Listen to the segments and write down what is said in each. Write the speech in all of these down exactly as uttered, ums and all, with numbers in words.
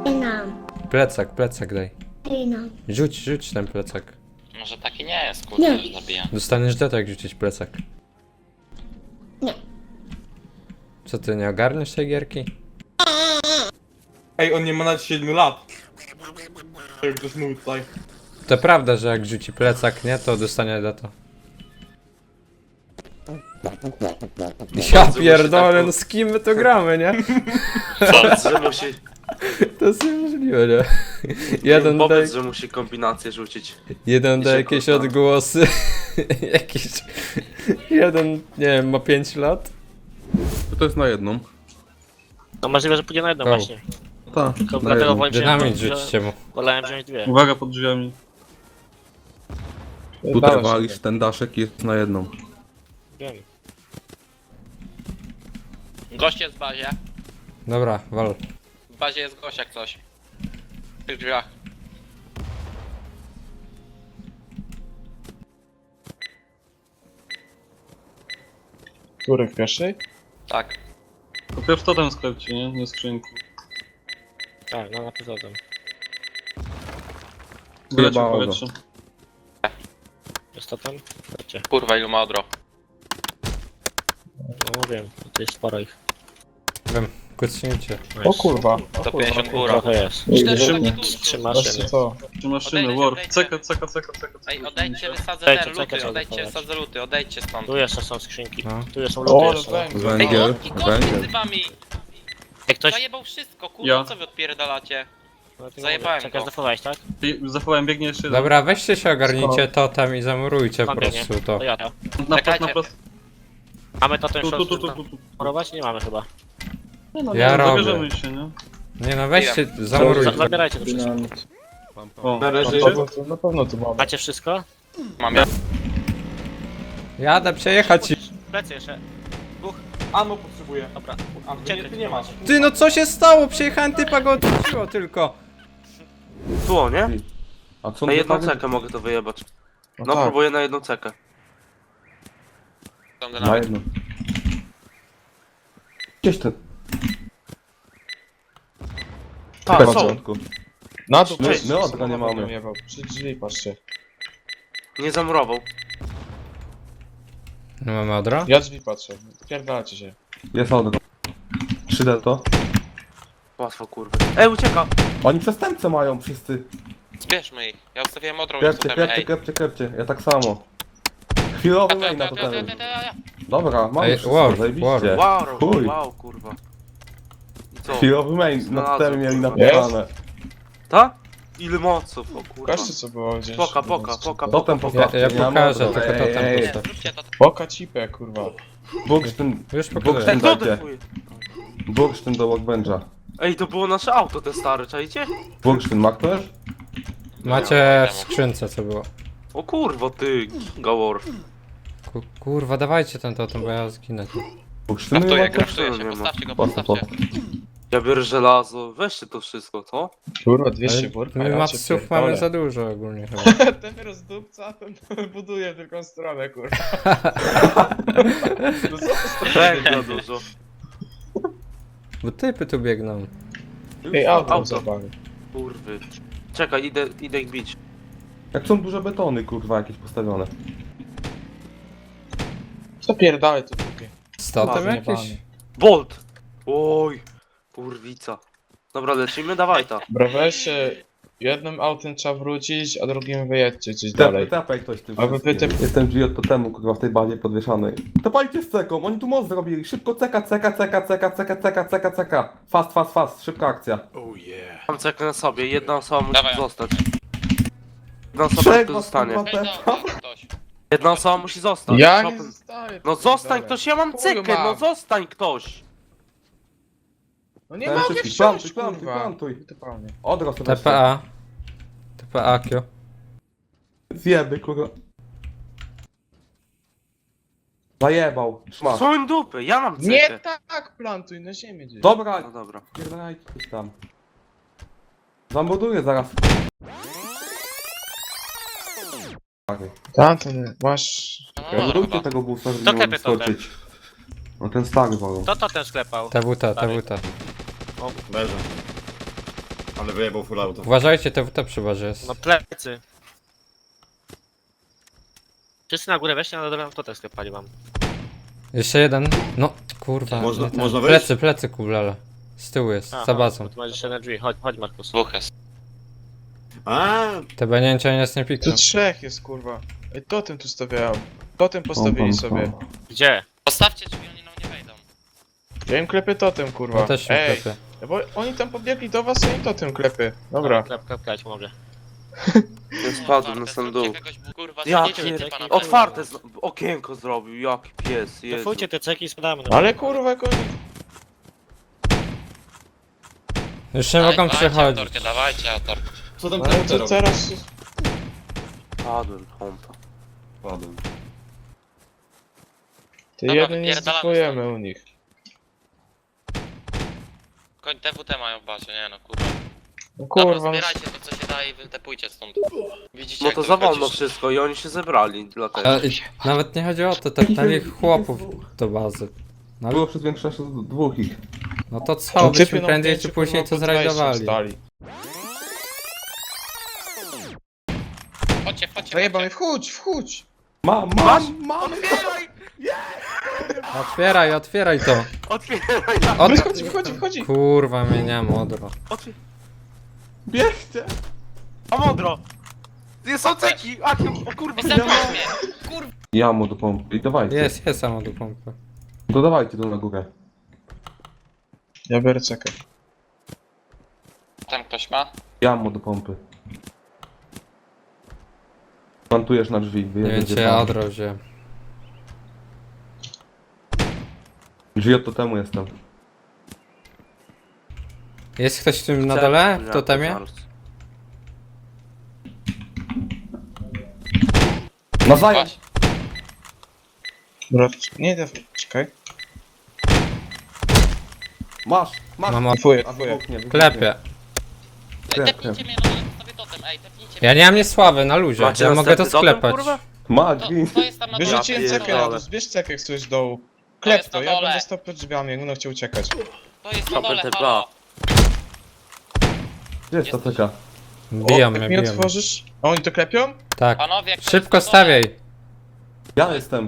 nam. Plecak, plecak daj. Daj nam. Rzuć, rzuć ten plecak. Może taki nie jest, kurde, Nie. że zabija. Dostaniesz deto jak rzucić plecak. Nie. Co ty, nie ogarniesz tej gierki? Ej, on nie ma nawet siedmiu lat. Jak ktoś mówi tutaj. To prawda, że jak rzuci plecak, nie, to dostanie deto. Ja pierdolę, no z kim my to gramy, nie? Powiedz, że musi, To jest niemożliwe, nie? Jeden daje, powiedz, że musi kombinację rzucić. jeden I daje się jakieś kurwa. odgłosy. Jakiś... Jeden, nie wiem, ma pięć lat. To jest na jedną. No możliwe, że pójdzie na jedną O. właśnie. Tak, Tylko na dlatego jedną. wolałem Dynamit wziąć, rzućcie mu. wolałem wziąć dwie. Uwaga pod drzwiami. Tutaj walisz, ten daszek jest na jedną. Wiem. Gość jest w bazie. Dobra, wal. W bazie jest gość jak coś. W tych drzwiach. Który w pierwszej? Tak. To pierw to ten sklepcie, nie? Nie skrzynku. Tak, no na pewno tam. Wyleciał Wyjebało go. powietrze. Jest to tam? Chodźcie. Kurwa, ilu ma odro. No wiem, to jest sporo ich. Wiem, kucnijcie. O kurwa. To pięćdziesiąt góra. Trochę jest. Cztery Trzy- takie Trzy dużo. Weźcie maszyny. co? Trzy maszyny, Odejdźcie, war. odejdźcie. Ceka, ceka, ceka, ceka. Ej, odejdźcie, wysadzę Czekaj, te czekaj, luty, trzeba odejdźcie, dochować. wysadzę luty, odejdźcie stąd. Tu jeszcze są skrzynki. No. Tu są O, luty ale jeszcze. węgiel. Ej, Węgiel, gość, gość między węgiel. wami! Jak ktoś... Zajebał wszystko, kurwa, Ja. co wy odpierdalacie? No, ty Zajebałem mówię, Czekaj, go. zdefowałeś, tak? Ty Zachowałem, biegnie jeszcze jeden. Dobra, weźcie się, ogarnijcie totem i zamurujcie po Mam biegnie. prostu to. To ja to. Na prost, na Czekajcie. prost. Mamy to ten Tu, tu, short tu, tu, tu, tu. morować? Nie mamy chyba. Nie no, Ja nie, robię. zabierzemy się, nie? Nie no, weźcie, Za- zamurujcie. Zabierajcie to wszystko. Dynamit. O, Na macie? pewno to- Na pewno to mamy. Macie wszystko? Mam ja. Jadę przejechać i... Plecy jeszcze. Ammo potrzebuję. Dobra. A ty nie, ty nie masz. Ty no co się stało? Przejechałem typa go odwróciło tylko. Tu, nie? A co Na jedną wypadnie? cekę mogę to wyjebać. No No tak. próbuję na jedną cekę. Tam Na dynamit. jedną. Gdzieś ten. Tak, Na są. początku. Na dół, My- patrzcie, my odra samochód nie mamy. będą jebał. Przy drzwi patrzcie. Nie zamurował. No mamy odro? Ja drzwi patrzę. Pierdalacie się. Jest odro. trzy D to. Łatwo, kurwa. Ej, ucieka! Oni przestępcę mają wszyscy. Zbierzmy ich. Ja ustawiłem odrą i Klepcie, tutaj, klepcie, ej. klepcie, klepcie. Ja tak samo. Chwilowy A, to, main na to, to to, to, ten. to, to, to. Dobra, mamy Ej, wszystko, war, war. zajebiście. Wow, Chuj. wow, kurwa. I co? Chwilowy main na Znalazłem, totemie mieli kurwa. napisane. Ta? Ile moców, o kurwa. Pokażcie co było gdzieś. Poka, poka, poka, Totem Ja, postawcie. ja nie mam pokażę, odro. tylko Ej, totem ej, ej. postaw. Zróbcie to. Poka cipę, kurwa. Bursztyn, Już Bursztyn pokazuję. Ej, kto dajcie. defuje? Bursztyn do workbencha. Ej, to było nasze auto, te stare, czajcie? Bursztyn, ma ktoś? Macie w skrzynce co było. O kurwa, ty, Gawor. Ku- Kurwa, dawajcie ten totem, bo ja zginę tu. Bursztynu nie Kraftuję, ma ktoś? kraftuję nie się, ma. postawcie go, Po co, po postawcie. Ja biorę żelazo, weźcie to wszystko, co? Kurwa, dwieście Ale worka, my ja cię matsów pierdolę. mamy za dużo ogólnie chyba. Ten rozdupca, ten buduje w tylko stronę, kurwa. No co to stronę? Węgla dużo. Bo typy tu biegną. Ej, auto Auto. zabawy. Kurwy. Czekaj, idę, idę ich bić. Jak są duże betony, kurwa, jakieś postawione. Co pierdalaj tu drugie? Z totem Ładnie, jakiś? panie. Bolt! Oj, kurwica. Dobra, lecimy, dawaj ta. Dobra, weźcie, jednym autem trzeba wrócić, a drugim wyjedźcie gdzieś Tepaj, dalej. tepaj ktoś tym A wy wszystkim. wytyp- Jestem drzwi od totemu, kurwa, w tej bazie podwieszanej. Tepajcie z ceką, oni tu most zrobili. Szybko ceka, ceka, ceka, ceka, ceka, ceka, ceka, ceka. Fast, fast, fast, szybka akcja. Mam cekę na sobie, jedna osoba musi Dawaj. zostać. Jedna osoba Trzech tylko was, zostanie. kurwa, Ej, tepa. dobra, ktoś. Jedna osoba musi zostać. Ja nie Chopin. zostaję. No zostań pierdolę. ktoś, ja mam Chuj cekę, mam. no zostań ktoś. No nie Ten mogę wszystkich. wsiąść, Plantuj, kurwa. plantuj, plantuj. Typalnie. Odro sobie T P A. T P A Q. Zjeby, kurwa. Zajebał. Szmasz. Swoją dupę, ja mam cekę. Nie tak, plantuj na ziemię gdzieś. Dobra, No dobra. pierdolajcie coś tam. Zamorduję zaraz. Tamten, masz... No, dobra, Zamordujcie chyba. tego busa, żeby To nie mógł klepie totem. skoczyć. No ten stary wolą. Kto to ten sklepał? T W T, T W T. O, leży. Ale wyjebał full auto. Uważajcie, T W T przy barze jest. No plecy. Wszyscy na górę weźcie, na dole to też sklepali mam. Jeszcze jeden. No, kurwa. Można- nie ten. można wejść? Plecy, plecy, kulala. Z tyłu jest, Aha, za bazą. Tu masz jeszcze na drzwi, chodź, chodź Markus. Dwóch jest. A, Te banięcia nic nie Tu pikną. trzech jest, kurwa. Ej, totem tu stawiałem. Totem postawili sobie. Gdzie? Postawcie drzwi, oni nam nie wejdą. Ja im klepię totem, kurwa. Ja też się Ej, klepię. bo oni tam podbiegli do was, a im totem klepy. Dobra. Klep, klep, klep, pomogę. Ja spadłem na sam dół. Kurwa, Ja zjedziecie pier... typa na Otwarte z... okienko zrobił, jaki pies, Jezu. Defujcie te ceki i spadamy. No. Ale kurwa, jak oni... Już nie mogą przechodzić. Autorkę, dawajcie autorkę. co tam Ale ten to robi? teraz... Padłem, pompa. Padłem. Ty Dobra, jeden nie wypierdalamy zdefujemy u nich. Koń T W T mają w bazie, nie no kurwa. No Dobra, kurwa, no zbierajcie to co się da i wytepujcie stąd. Widzicie No jak to za wolno wychodzisz? wszystko i oni się zebrali, dlatego. A, i nawet nie chodzi o to, tak na nich chłopów do bazy. No, Było przez większość dwóch ich. no to co, no byśmy typy na prędzej pięciu, czy później kurwa, to pod wejściem zrajdowali. stali. Chodźcie, chodźcie, Zajebamy, chodźcie. wchódź, wchódź! Mam, mam, mam! Otwieraj, otwieraj to. Otwieraj, Od... Wychodzi, wychodzi, wychodzi! Kurwa, mnie nie modro. otwieraj. Bierzcie! A modro! Nie są ceki! A, o kurwa, Ej, zamknij mnie. Ja mu do pompy. I dawajcie. Jest, jest samo do pompy. To dawajcie tu na górę. Ja biorę cekę. Tam ktoś ma? Ja mu do pompy. Plantujesz na drzwi. Nie wyjedziecie wiem, czy ja tam. odro wziąłem. Drzwi od totemu jestem. Jest ktoś w tym na dole? W totemie? Nawzajem! Chodź. Dobra, nie, def... czekaj. Masz, masz! Mam od... Defuję, A defuję. wybuchnie, wybuchnie. Klepie. Ej, Klep, tepnijcie mnie, no ale postawię totem, ej, tepnijcie mnie. Ja nie mam niesławy, na luzie. Macie Ja mogę to następny totem, sklepać. kurwa? To, Magi! to jest tam na dole. Wyrzuciłem Ja cekę na pierdolę. dół, zbierz cekę jak coś z dołu. To Klep jest to, na ja dole. będę stał przed drzwiami, jak będą chciał uciekać. To jest na Dobra, dole, te halo. Gdzie jest ta ceka? Biją O, mnie, jak mi biją mnie. otworzysz? A oni to klepią? Tak. Panowie, jak to Szybko jest na dole. stawiaj. Ja jestem.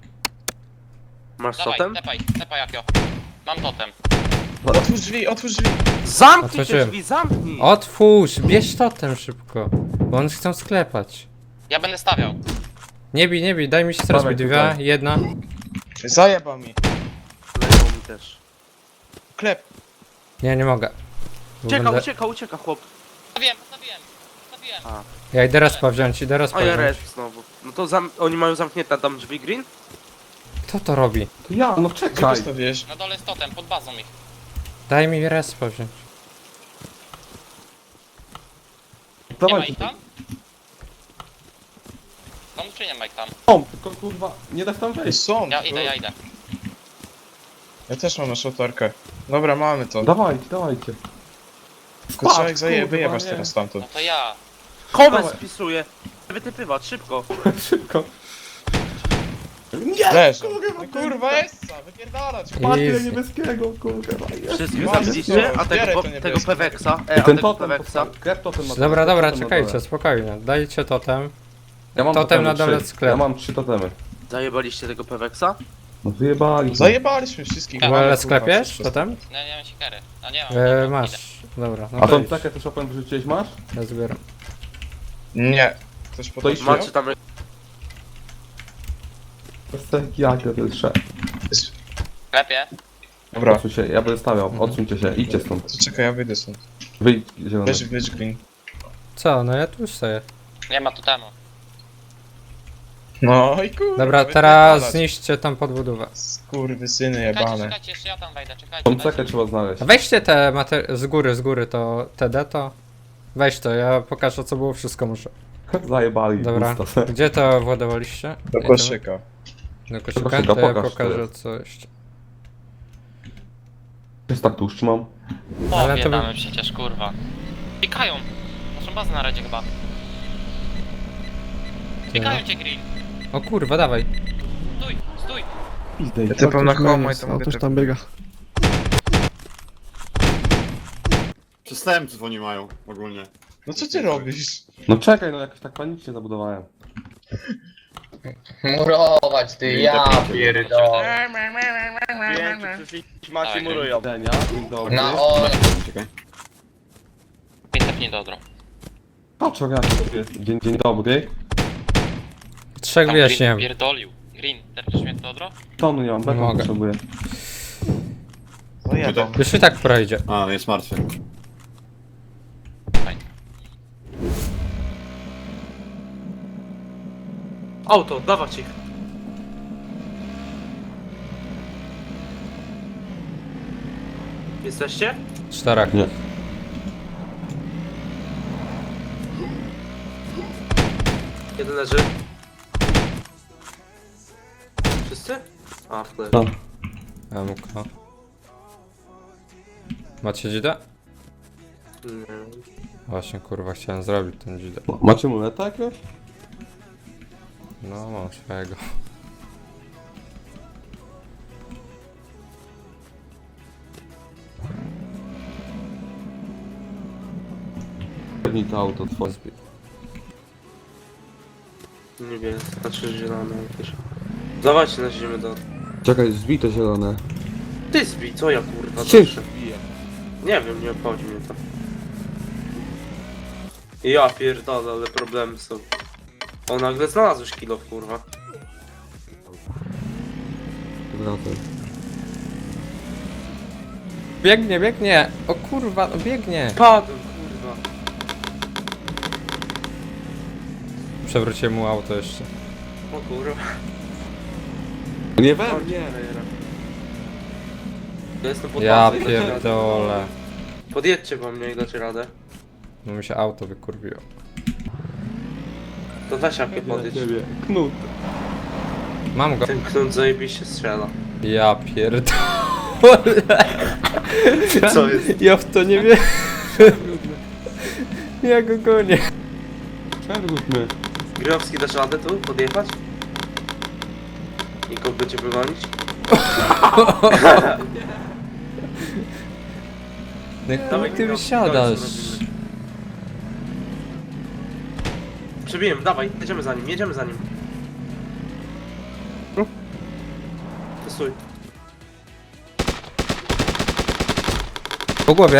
Masz Dawaj, totem? tepaj, tepaj Jakio. Mam totem. Otwórz drzwi, otwórz drzwi! Zamknij te Otworzyłem. drzwi, zamknij! Otwórz, bierz totem szybko. Bo oni chcą sklepać. Ja będę stawiał. Nie bij, nie bij, daj mi się teraz Dawaj dwie, tutaj. jedna. Zajeba mi. Leją mi też. Klep. Nie, nie mogę. Bo Ucieka, będę... ucieka, ucieka chłop. Stawiłem, stawiłem, stawiłem. A, Ja idę respa wziąć, idę respa o ja wziąć. res znowu. No to zam... oni mają zamknięte tam drzwi green? Kto to robi? To ja, no Gdzie czekaj! postawiłeś? Na dole jest totem, pod bazą ich. Daj mi respa wziąć. Nie ma Dawajcie ich tu. tam? Są czy nie ma ich tam? Są, tylko kurwa, nie da się tam wejść. Są. Ja idę, ja idę. Ja też mam naszą Dobra, mamy to. Dawajcie, dawajcie. Tylko trzeba ich zaje... kurwa, wyjebać nie. teraz stamtąd. No to ja. Komes Dawaj. spisuje! Wytypywać, szybko! Szybko. Leż. No kurwa jest! Wypierdalać! Patrzcie Easy. niebieskiego, kurwa. jest. Wszystkich Mamy zabiliście, to, a zbieraj tego, to po, niebieskie. tego Peweksa, e, I a ten tego totem, Peweksa. postaw- klep totem na dole, Dobra, dobra, totem na czekajcie, dole. spokojnie. Dajcie totem. Ja mam Totem totemy, na dole trzy. sklep. Ja mam trzy totemy. Zajebaliście tego Peweksa? No wyjebali. Zajebaliśmy wszystkich. Ale Mamy, sklepiesz kurwa, totem? Nie, nie mam siekiery. A nie mam. E, dobra, idę. masz. Dobra, no A to tą idź. cekę też opowiem, wyrzuciłeś, masz? Ja zbieram. Nie. Ktoś To potrafi? Macie tam... Bez ceki, jak to jest szef. Klepie. Dobra, Odsuń się, ja będę stawiał, odsuńcie się, idźcie stąd. to czekaj, ja wyjdę stąd. Wyjdź, zielony. Weź, weź green. Co, no ja tu już stoję. Nie ma totemu. No i kurwa. Dobra, wypierdalać. teraz zniszczcie tą podbudowę. Skurwysyny Czekajcie, jebane. czekajcie, jeszcze ja tam wejdę, czekajcie. Tą dajcie cekę mi- trzeba znaleźć. A weźcie te mater... z góry, z góry to T D to. Weź to, ja pokażę co było, wszystko muszę. Zajebali. Dobra, pusto. gdzie to władowaliście? Do Nie, koszyka. to- Do koszyka? koszyka, To ja pokaż, pokażę to coś. Jest tak tłuszcz mam. O, Ale to biedamy by- przecież, kurwa. Pikają. Naszą bazę na radzie chyba. Pikają cię, Green. O kurwa, dawaj. Stój, stój. Ja typam na home i to mogę typ... biega. Przestępców oni mają ogólnie. No co ty robisz? No czekaj, no jakoś tak panicznie zabudowałem. Murować ty, ja pierdolę. Klienci przyszli, macie murują. Denia, dzień dobry. Na on. Czekaj. Piętepnij do odro. Patrz, ogarnij. Dzień, dzień dobry. Trzech Tam wyjaśniłem. Green pierdolił. Green, teraz mnie do odro? Tonu nie mam, Nie bekon mogę. potrzebuję. No jedą. Już i tak projdzie. A, jest martwy. Auto, dawać ich. Jesteście? Czterech. Nie. Jeden leży. Wszyscy? A, w tle. No. M K. Macie dzidę? Nie. Właśnie kurwa chciałem zrobić ten dzidę. Macie muleta jakiegoś? No mam swojego. Pewnie to auto twoje. Nie wiem, znaczy zielone jakieś. Dawajcie na ziemię do... Czekaj, zbij to zielone. Ty zbij, co ja kurwa Czym? zawsze? Nie wiem, nie obchodzi mnie to. Ja pierdolę, ale problemy są. O, nagle znalazłeś kilo, kurwa. Wracaj. Biegnie, biegnie! O kurwa, no biegnie! Padłem, kurwa. Przewróciłem mu auto jeszcze. O kurwa. Nie Chodź, we mnie! frajera. Ja jestem pod Ja bazą i dacie radę. pierdolę. Podjedźcie po mnie i dacie radę. No mi się auto wykurwiło. To weź jakie podjedź. Ciebie. Knut. Mam go. Ten knut zajebiście strzela. Ja pierdolę. Co jest? Ja w to nie wiem. Ja go gonię. Przerwód mnie. Gryjowski, dasz radę tu podjechać? I go będzie wygonić? No Dawaj, chuj ty Gryjowski, wysiadasz. koniec robimy. Przebiłem, dawaj, jedziemy za nim, jedziemy za nim. Ty stój. Po głowie.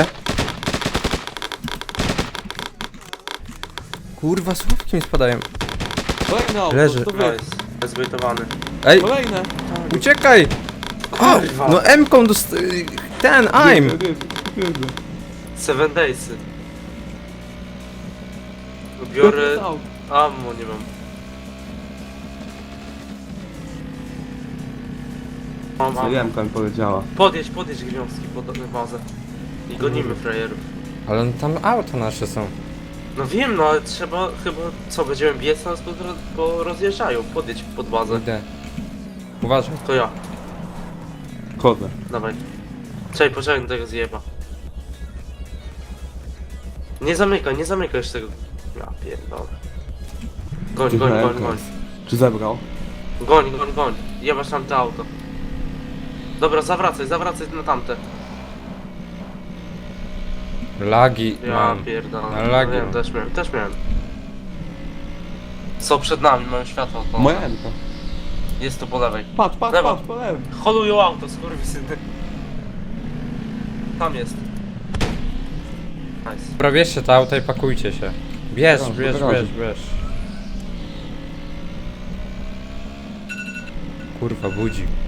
Kurwa, słówki mi spadają. Kolejne auto, Leży. to wy. Nice, bezbejtowany. Ej, Kolejne. uciekaj! A, Kurwa. no M-ką dost... Ten, I'm! Jedzie, jedzie, jedzie. Seven Daysy. To Biorę... jest auto. Ammo nie mam. Mam ammo. Jemka mi powiedziała. Podjedź, podjedź Gryjowski pod bazę. I gonimy frajerów. Ale no tam auto nasze są. No wiem, no ale trzeba chyba... Co, będziemy biec, nas po, po rozjeżdżają. Podjedź pod bazę. Idę. Uważaj. To ja, Chodzę. dawaj. Czekaj, poczekaj na tego zjeba. Nie zamykaj, nie zamykaj już tego. Ja pierdolę. Goń, goń, goń, goń. Czy zebrał? Goń, goń, goń. Jebasz tamte auto. Dobra, zawracaj, zawracaj na tamte. Lagi Ja mam. pierdolę. Na lagi No wiem, mam. też miałem, też miałem. Co przed nami, mają światło. To Moja Emka. jest tu po lewej. Patrz, patrz, Lewo. patrz, po lewym. Holują auto, skurwysyny. Tam jest. Nice. Dobra, bierzcie to auto i pakujcie się. Bierz, Garażu, bierz, garażu. bierz, bierz. Kurwa, budzi.